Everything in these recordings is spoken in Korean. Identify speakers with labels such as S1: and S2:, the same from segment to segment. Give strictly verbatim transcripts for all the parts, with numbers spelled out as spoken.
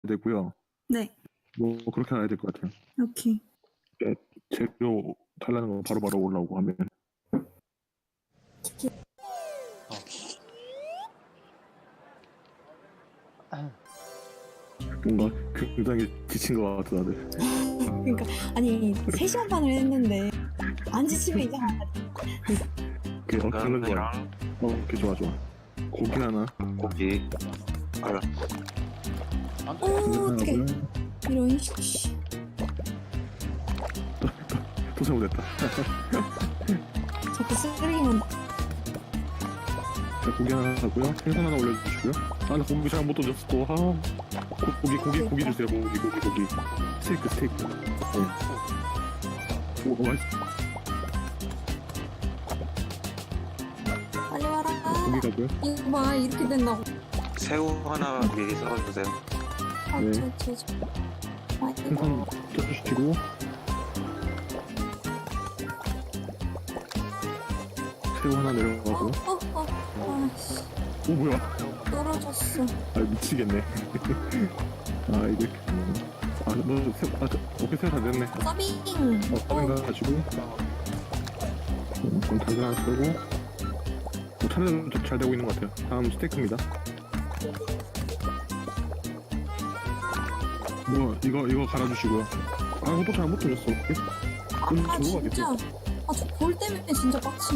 S1: 되고요.
S2: 네.
S1: 뭐 그렇게 해야 될 것 같아요.
S2: 오케이.
S1: 네, 재료 달라는 거 바로바로 올라오고 하면 뭔가 굉장히 지친 것 같아 다들.
S2: 그러니까 아니 세 시간 반을 했는데 안 지치면 이상하다.
S1: 그 어떤 거 좋아. 어, 오케이 좋아 좋아. 고기 하나.
S3: 고기. 아,
S2: 오 어떡해.
S1: 하나고요.
S2: 이런 씨.
S1: 또 잘못했다.
S2: 자꾸 쓰레기만 나.
S1: 자, 고기 하나 하고요. 생선 하나 올려주시고요. 아, 나 고기 잘 못 던졌어 또. 아, 고, 고기 고기 고기 주세요. 고기 고기 고기. 스테이크 스테이크. 네. 오, 오 맛있어.
S2: 빨리 와라.
S1: 고기 가고요.
S2: 이거 봐 이렇게 된다고.
S3: 새우 하나 미리 썰어주세요.
S2: 아,
S1: 네.
S2: 저, 저, 저. 아,
S1: 생선
S2: 이거.
S1: 쪄주시고. 새우 하나
S2: 어,
S1: 내려가고.
S2: 어, 어. 아씨.
S1: 오 뭐야?
S2: 떨어졌어.
S1: 아 미치겠네. 아 이게 아너 새우 아 오케이 새우 다 됐네.
S2: 서빙.
S1: 어 서빙 가지고 그럼 당근 하나 쓰고 뭐 차례는 좀 잘 되고 있는 것 같아요. 다음 스테이크입니다. 뭐 이거 이거 갈아주시고요. 아 이거 또 잘못 돌렸어. 오케이.
S2: 아,
S1: 좀
S2: 아
S1: 들어가겠어.
S2: 진짜. 아, 저 볼 때문에 진짜 빡치.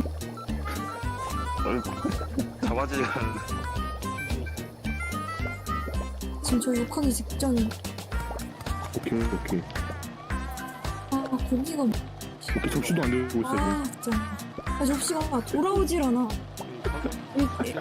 S3: 잡아지지 않는데.
S2: 지금 저 욕하기 직전이.
S1: 오케이 오케이
S2: 아, 고기가.
S1: 오케이 접시도 안 되고 있어.
S2: 아, 진짜. 아, 접시가 돌아오질 않아. 이렇게.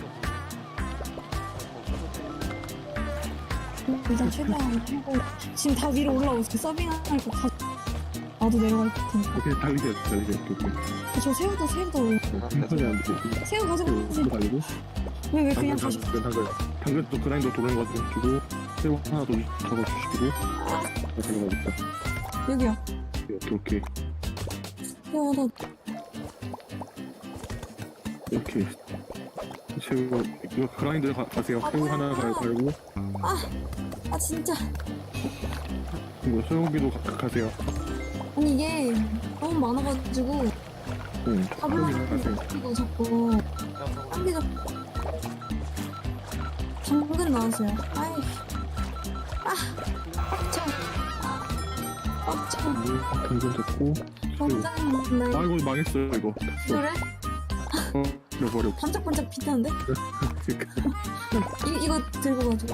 S2: 일단 최대한 하고. 지금 다 위로 올라오고 있어. 서빙할 거 다. 나도 내려갈 텐데.
S1: 오케이 달리게 달리게 오케이 오케이.
S2: 아, 저 새우도 새우도.
S1: 천천히 안 되고.
S2: 새우 가져가지.
S1: 새우 달리고.
S2: 왜, 왜
S1: 당근
S2: 그냥 가져.
S1: 당근 당근 당근 또 그라인더 도는 거 주시고 새우 하나 더 잡아주시고 가져가겠다.
S2: 여기요.
S1: 오케이 오케이
S2: 야, 나.
S1: 이렇게 새우 이거 그라인더 가, 가세요.
S2: 아,
S1: 새우
S2: 뭐야.
S1: 하나 갈- 갈고
S2: 아, 진짜.
S1: 이거 소고기도 가, 가세요.
S2: 아니, 이게 너무 많아가지고.
S1: 응
S2: 잡으려고
S1: 소고기 가세요.
S2: 이거 자꾸. 한개 잡. 당근 나왔어요. 아이. 아, 빡쳐. 빡쳐.
S1: 당근 됐고 새우.
S2: 굉장히
S1: 아 이거 망했어요 이거.
S2: 그래?
S1: 어 잃어버려.
S2: 반짝반짝 빛나는데? 이, 이거 들고 가지고.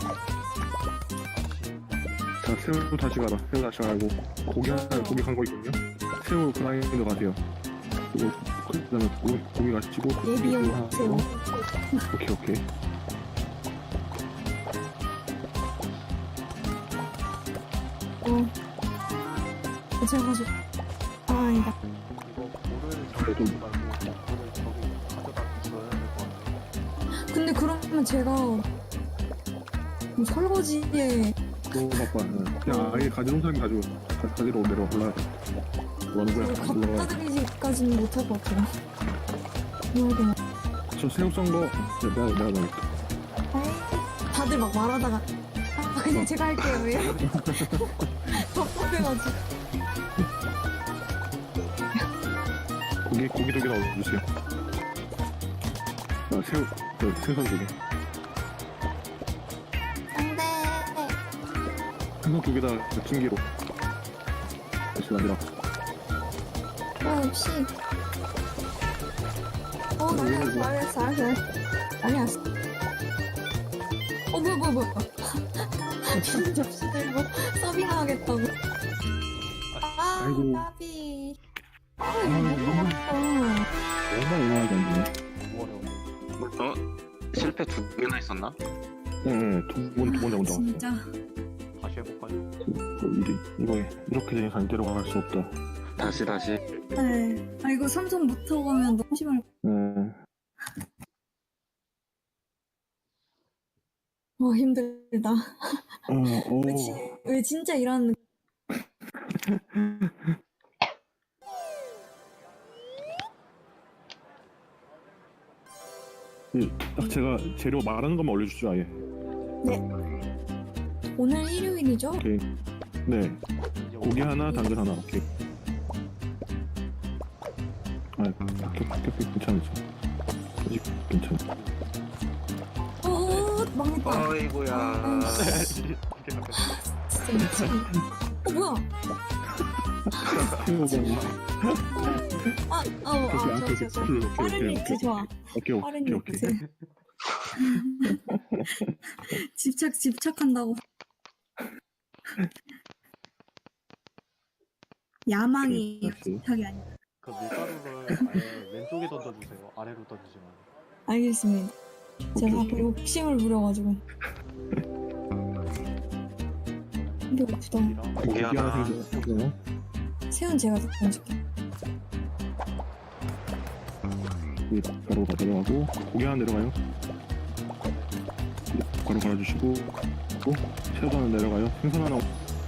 S1: 자 새우 다시 가라. 새우 다시 가고 고기 하나 고기 간 거 있거든요. 새우 그라인더 가세요. 그리고 그다음에 고기, 고기 가시고
S2: 예비용
S1: 새우 하나
S2: 새우.
S1: 더. 오케이 오케이.
S2: 어. 제가 가지고. 아, 아니다.
S1: 그래도
S2: 근데 그러면 제가 뭐 설거지에
S1: 너무 바빠. 그냥 아예 가져온 사람이 가지고 가, 가지러 내려 올라. 뭐 하는 거야?
S2: 갖다
S1: 올라가.
S2: 드리기까지는 못할 것 같아요. 뭐야 되나?
S1: 저 새우 썬 거 내가 내가 넣을게.
S2: 에이, 다들 막 말하다가 아, 그냥 제가 할게요. 왜? 답답해가지고.
S1: 고기 고기 두 개 넣어주세요. 아 새우 그 생선 두 개.
S2: 안돼.
S1: 생선 두 개 다 찜기로. 다시 아니라.
S2: 어 역시. 어 알았어 알았어 알았어. 아니야. 어 뭐야 뭐야 뭐야. 빈 접시 들고 서빙하겠다고. 아
S1: 아이고.
S2: 까비. 아
S1: 아
S2: 이거
S1: 너무
S2: 너무 많다.
S1: 정말 의아하게 안 되네.
S3: 어? 실패 두 개나 있었나?
S1: 응, 두번두 번 잡은 적
S2: 진짜.
S4: 다시 해볼까요?
S1: 이리 이거에 이렇게 된 이상 이대로 갈 수 없다.
S3: 다시 다시.
S2: 네. 아 이거 삼성부터 가면 너무 심할.
S1: 음,
S2: 와 힘들다.
S1: 어, 오,
S2: 왜, 지, 왜 진짜 일하는.
S1: 이, 딱 제가 재료 말하는 것만 올려주죠 아예.
S2: 네. 오늘 일요일이죠?
S1: 오케이. 네.
S4: 이제
S1: 고기
S4: 오늘
S1: 하나, 당근 하나. 오케이. 아, 오케이, 오케이, 괜찮으죠. 아직 괜찮아.
S2: 어, 망했다.
S3: 어이구야.
S4: 이렇게 잠깐
S2: 진짜 미치겠네. 어, 뭐야?
S1: 태우고.
S2: 아, 어, 어,
S1: 오케이,
S2: 저,
S1: 오케이,
S2: 저, 저.
S1: 오케이, 오케이,
S2: 빠른
S1: 오케이,
S2: 믹스 좋아.
S1: 오케이,
S2: 빠른
S1: 오케이, 오케이.
S2: 믹스. 집착, 집착한다고. 야망이
S1: 오케이, 다시.
S2: 집착이 아니야.
S4: 그 밀가루를 아예 왼쪽에 던져주세요. 아래로 던지지 말고.
S2: 알겠습니다. 제가
S1: 오케이.
S2: 욕심을 부려가지고. 근데 고프다.
S4: 고기랑
S1: 고기 하나
S3: 하나.
S1: 생겼고요.
S2: 새우는 제가 던질게.
S1: 이 가루가 내려가고 고기 하나 내려가요. 가루 갈아주시고 또 새우 하나 내려가요. 생선 하나.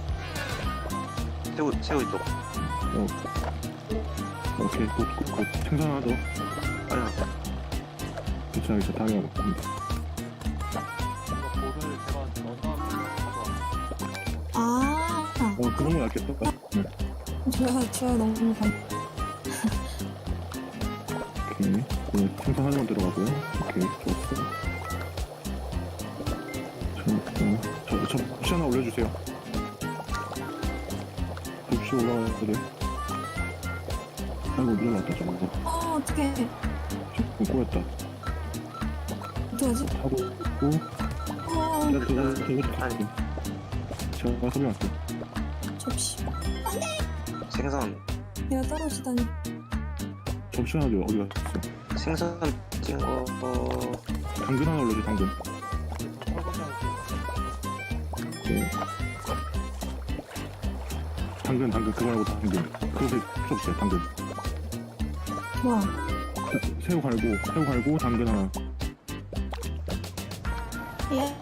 S3: 새우 새우 이쪽.
S1: 어. 오케이, 굿, 굿, 굿. 생선 하나 더.
S3: 빨리.
S1: 괜찮아, 괜찮아. 당연히 먹습니다.
S4: 이거 볼을 제가 넣어놨는데 가져왔어요.
S2: 아,
S1: 어, 그런 거 낫겠다. 네.
S2: 좋아요, 좋아요. 너무 감.
S1: 오케이. 네, 생선 하나만 들어가고요. 오케이, 좋았어. 저, 어, 저, 저, 접시 하나 올려주세요. 접시 올라가야 돼. 아이고, 밀어놨다, 저거.
S2: 어, 어떡해.
S1: 조금 꼬였다.
S2: 어떡하지?
S1: 하고 있고,
S2: 어,
S1: 야, 저거, 저거,
S3: 아니.
S1: 제가 설명할게요.
S2: 접시.
S3: 생선
S2: 내가 떨어지다니.
S1: 접시 하나 어디 갔어?
S3: 생선 찐 거. 어,
S1: 당근 하나 올려줘, 당근. 오케이. 당근, 당근, 그거 말고 당근. 그것에 필요 없어요, 당근.
S2: 뭐야?
S1: 새우 갈고, 새우 갈고, 당근 하나.
S2: 예.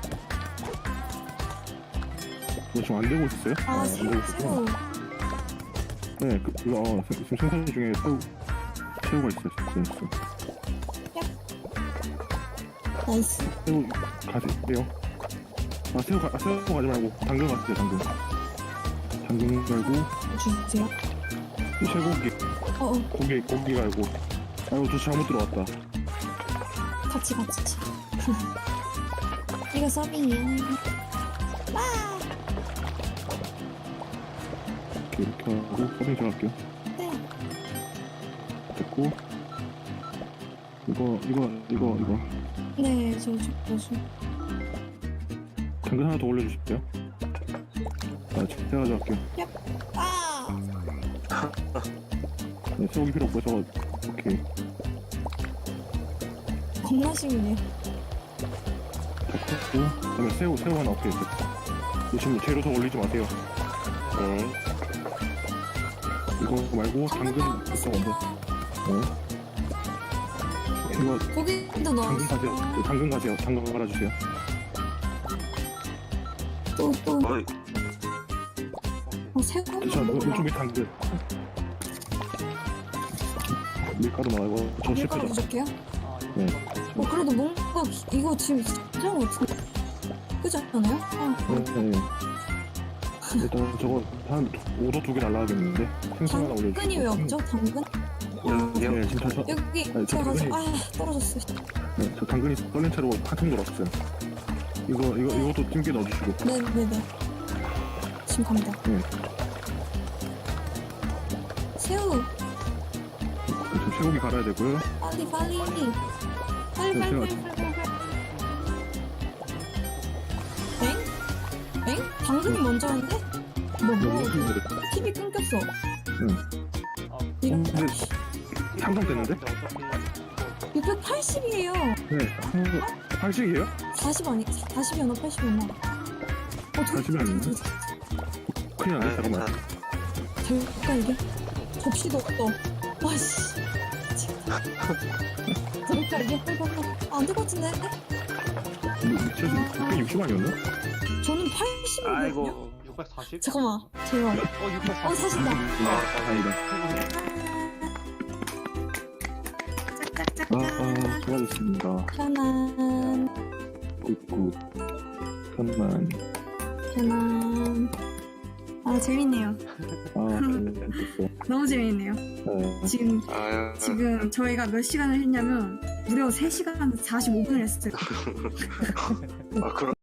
S1: 이거 지금 안 되고 있었어요?
S2: 아,
S1: 안
S2: 새우,
S1: 되고 있었구나.
S2: 새우.
S1: 네, 그, 그거, 어, 세- 지금 생선 중에 새우, 새우가 있어요, 있어, 있어.
S2: 나이스.
S1: 새우 가세요. 아, 새우 가, 아, 새우 가지 말고, 당근 가세요, 당근. 당근 갈고,
S2: 주세요.
S1: 쇠고기,
S2: 어, 어,
S1: 고기, 고기 갈고. 아이고, 저 잘못 들어왔다.
S2: 같이, 같이. 이거 서빙이야. 와!
S1: 이렇게, 이렇게 하고, 서빙 들어갈게요.
S2: 네.
S1: 됐고. 이거, 이거, 이거, 이거.
S2: 네, 저, 저, 저, 저.
S1: 당근 하나 더 올려주실게요. 아, 제가 가져갈게요.
S2: 아!
S1: 네, 새우기 필요 없고요. 저거, 오케이.
S2: 겁나 심이네.
S1: 됐고. 그다음에 새우, 새우 하나, 오케이. 됐다. 지금 재료 더 올리지 마세요.
S3: 네.
S1: 이거 말고, 당근, 있어, 먼저. 네. 이거,
S2: 고기도
S1: 당근 가세요.
S2: 넣었어.
S1: 네, 당근 가세요. 당근 갈아주세요.
S2: 또, 또.
S3: 어이.
S2: 어, 새우
S1: 저,
S2: 한번 먹어봐.
S1: 왼쪽에 당근. 밀가루 나와요. 저
S2: 밀가루
S1: 실패다.
S2: 부족해요?
S4: 아, 이거
S1: 네.
S2: 어, 그래도 뭔가, 이거 지금 괜찮은 것 같은데? 그지 않아요? 아,
S1: 네, 네. 일단 저거 한 오더 두 개 날라가겠는데 생선 하나 올려주세요.
S2: 당근이 왜 없죠? 당근?
S3: 여기요.
S1: 네, 지금 저,
S2: 여기,
S1: 아니,
S2: 제가 가서,
S1: 당근이-
S2: 아, 떨어졌어.
S1: 네, 저 당근이 떨린 채로 한통 돌았어요. 이거 이거 이것도 찜게 넣어주시고.
S2: 네네네. 지금 갑니다.
S1: 네.
S2: 새우,
S1: 지금 쇠고기 갈아야 되고요.
S2: 빨리, 빨리. 빨리,
S1: 네,
S2: 빨리,
S1: 제가-
S2: 빨리, 빨리, 빨리. 엥? 엥? 당근이 먼저인데? 뭐, 뭐,
S1: 여기 네.
S2: 티비 끊겼어.
S4: 아,
S2: 이런,
S1: 근데 상정됐는데?
S4: 근데 어차피
S2: 육백팔십이에요.
S1: 네. 한식이에요?
S2: 사십 아니, 사십이었나, 팔십이었나? 어,
S1: 사십이 아니에요? 큰일
S3: 아,
S1: 났네. 잠깐만.
S3: 괜찮아.
S2: 될까, 이게? 접시도 없어. 와씨. 될까, 이게? 아, 안 될 것 같은데?
S1: 육백육십 아니었나?
S2: 저는 팔십이거든요?
S3: 아이고.
S4: 육백사십?
S2: 잠깐만, 제발.
S4: 어, 육백사십.
S2: 어, 사십다.
S1: 아, 아니다. 아, 아, 수고하셨습니다.
S2: 편안.
S1: 굿굿. 편만.
S2: 편안. 아 재밌네요.
S1: 아, 됐어.
S2: 너무 재밌네요.
S1: 네.
S2: 지금
S3: 아유,
S2: 지금 저희가 몇 시간을 했냐면 무려 세 시간 사십오 분을 했어요.
S3: 아, 그럼